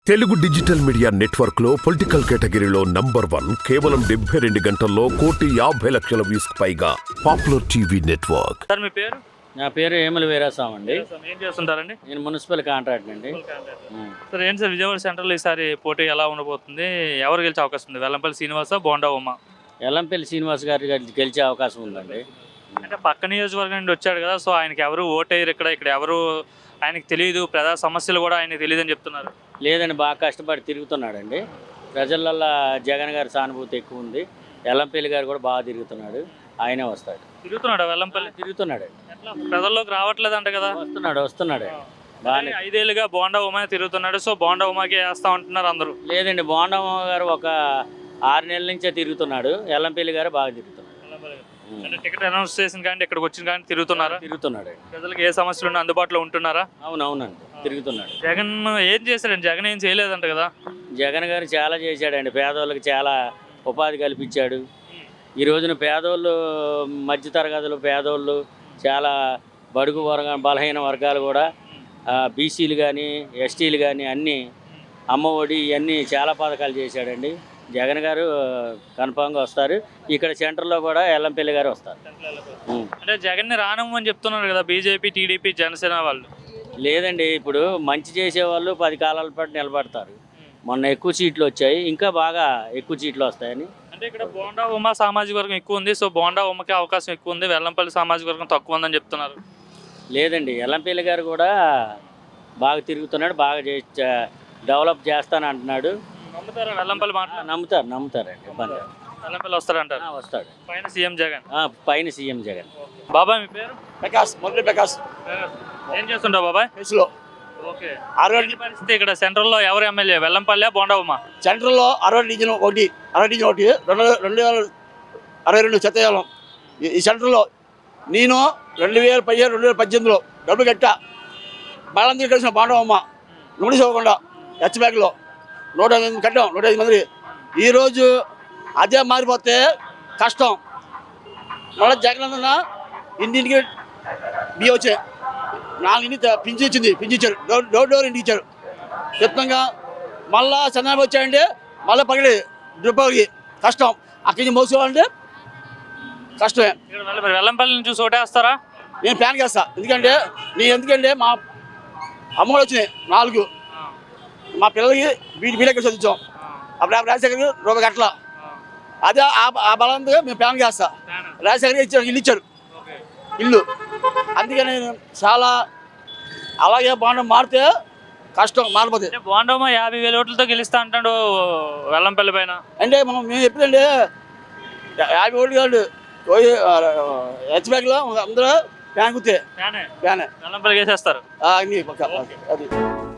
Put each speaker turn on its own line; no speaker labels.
Telugu digital media network లో political కేటగిరీలో number 1 కేవలం 72 గంటల్లో 1,50,00,000 వ్యూస్ పైగా పాపులర్ టీవీ నెట్వర్క్.
సార్ మీ పేరు?
నా పేరు ఏమల వీరాస్వామి అండి.
ఏం చేస్తుంటారండి?
నేను మున్సిపల్ కాంట్రాక్ట్ అండి.
సార్ ఏంటి సార్ విజయవాడ సెంట్రల్ ఈసారి పోటీ ఎలా ఉండబోతుంది? ఎవరు గెలిచే అవకాశం ఉంది? వెల్లంపల్లి శ్రీనివాస, బోండా ఉమా?
ఎల్లంపల్లి శ్రీనివాస్ గారి గెలిచే అవకాశం ఉందండి.
అంటే పక్క నియోజకవర్గం నుండి వచ్చాడు కదా, సో ఆయనకి ఎవరు ఓటేయరు, ఇక్కడ ఎవరు ఆయనకి తెలియదు, ప్రజా సమస్యలు కూడా ఆయనకి తెలియదు అని చెప్తున్నారు.
లేదండి, బాగా కష్టపడి తిరుగుతున్నాడండి. ప్రజలల్లో జగన్ గారి సానుభూతి ఎక్కువ ఉంది. ఎల్లంపల్లి గారు కూడా బాగా తిరుగుతున్నాడు. ఆయనే వస్తాడు.
తిరుగుతున్నాడు వెల్లంపల్లి?
తిరుగుతున్నాడు.
ప్రజల్లోకి రావట్లేదు అంట కదా?
వస్తున్నాడు బాగానే.
5 ఏళ్ళుగా బోండా ఉమా తిరుగుతున్నాడు, సో బోండా ఉమాకి వేస్తా ఉంటున్నారు అందరూ.
లేదండి, బోండా గారు ఒక 6 నెలల నుంచే తిరుగుతున్నాడు. ఎల్లంపల్లి గారు బాగా తిరుగుతున్నాడు.
అంటే టికెట్ అనౌన్స్ చేసిన కానీ ఇక్కడికి వచ్చిన కానీ తిరుగుతున్నాడు. ప్రజలకు ఏ సమస్యలు ఉన్నా అందుబాటులో ఉంటున్నారా?
అవునవునండి, తిరుగుతున్నాడు.
జగన్ ఏం చేశాడండి? జగన్ ఏం చేయలేదంట కదా?
జగన్ గారు చాలా చేశాడండి. పేదవాళ్ళకి చాలా ఉపాధి కల్పించాడు. ఈ రోజున పేదోళ్ళు, మధ్యతరగతులు పేదోళ్ళు, చాలా బడుగు బలహీన వర్గాలు కూడా, బీసీలు కానీ ఎస్టీలు కానీ అన్నీ అమ్మఒడి ఇవన్నీ చాలా పథకాలు చేశాడండి. జగన్ గారు కన్ఫామ్గా వస్తారు. ఇక్కడ సెంటర్లో కూడా ఎల్లంపల్లి గారు వస్తారు.
అంటే జగన్ని రానమ్మని చెప్తున్నారు కదా బీజేపీ, టీడీపీ, జనసేన వాళ్ళు.
లేదండి, ఇప్పుడు మంచి చేసేవాళ్ళు 10 కాలాల పాటు నిలబడతారు. మొన్న ఎక్కువ సీట్లు వచ్చాయి, ఇంకా బాగా ఎక్కువ సీట్లు వస్తాయని.
అంటే ఇక్కడ బోండా ఉమా సామాజిక వర్గం ఎక్కువ ఉంది, సో బోండా ఉమ్మకి అవకాశం ఎక్కువ ఉంది, వెల్లంపల్లి సామాజిక వర్గం తక్కువ ఉందని చెప్తున్నారు.
లేదండి, ఎల్లంపల్లి గారు కూడా బాగా తిరుగుతున్నాడు, బాగా డెవలప్ చేస్తానంటున్నాడు.
నమ్ముతారా వెల్లంపల్లి మాట?
నమ్ముతారండి.
వెల్లంపల్లి వస్తాడంటారు.
వస్తాడు.
పైన సీఎం జగన్.
పైన సీఎం జగన్.
బాబాయ్ మీ పేరు?
ప్రకాష్, మొదటి ప్రకాష్.
ఏం చేస్తుంటావు బాబాయ్? ఓకే. పరిస్థితి ఇక్కడ సెంట్రల్లో ఎవరు ఎమ్మెల్యే? వెల్లంపల్లి, బోండా ఉమా?
సెంట్రల్లో 60 డివిజన్ ఒకటి 2022 సత్యకాలం. ఈ సెంటర్లో నేను 2017, 2018లో డబ్బులు కట్టా. బాలందరూ కలిసిన బాండవమ్మ నోటీస్ ఇవ్వకుండా హెచ్ బ్యాగ్లో 105 కట్టాం, 105 మంది. ఈరోజు అదే మారిపోతే కష్టం. మళ్ళీ జగన్ అన్న ఇంటింటికి బియ్యం వచ్చాయి, 4 ఇంటికి పింఛన్ ఇచ్చారు, డోర్ ఇంటికి ఇచ్చారు. చెప్తాగా మళ్ళా చంద్రబాబు వచ్చాయంటే మళ్ళీ పగిలి డ్రిప్పకి కష్టం. అక్కడి నుంచి మోసుకోవాలంటే కష్టమే.
వెల్లంపల్లి నుంచి చూసి ఓటేస్తారా?
నేను ప్లాన్ చేస్తా. ఎందుకంటే మా అమ్మఒడి వచ్చినాయి 4. మా పిల్లలకి బీటెక్ చదివించాం. అప్పుడు రాజశేఖర్ రూపాయి కట్టల. అదే ఆ బలంతో మేము ప్లాన్ చేస్తా. రాజశేఖర్ ఇచ్చారు, ఇల్లు. అందుకని నేను చాలా అలాగే బాండం మారితే కష్టం, మారిపోతే.
బోండా 50,000 ఓట్లతో గెలుస్తా అంటాడు వెల్లంపల్లి పైన.
అంటే మేము ఎప్పుడంటే 50 ఓట్లు కాదు, హెచ్ బ్యాగ్లో అందరూ ఫ్యాన్ కుత్తే ఫ్యానే
వెల్లంపల్లి వేసేస్తారు.
అది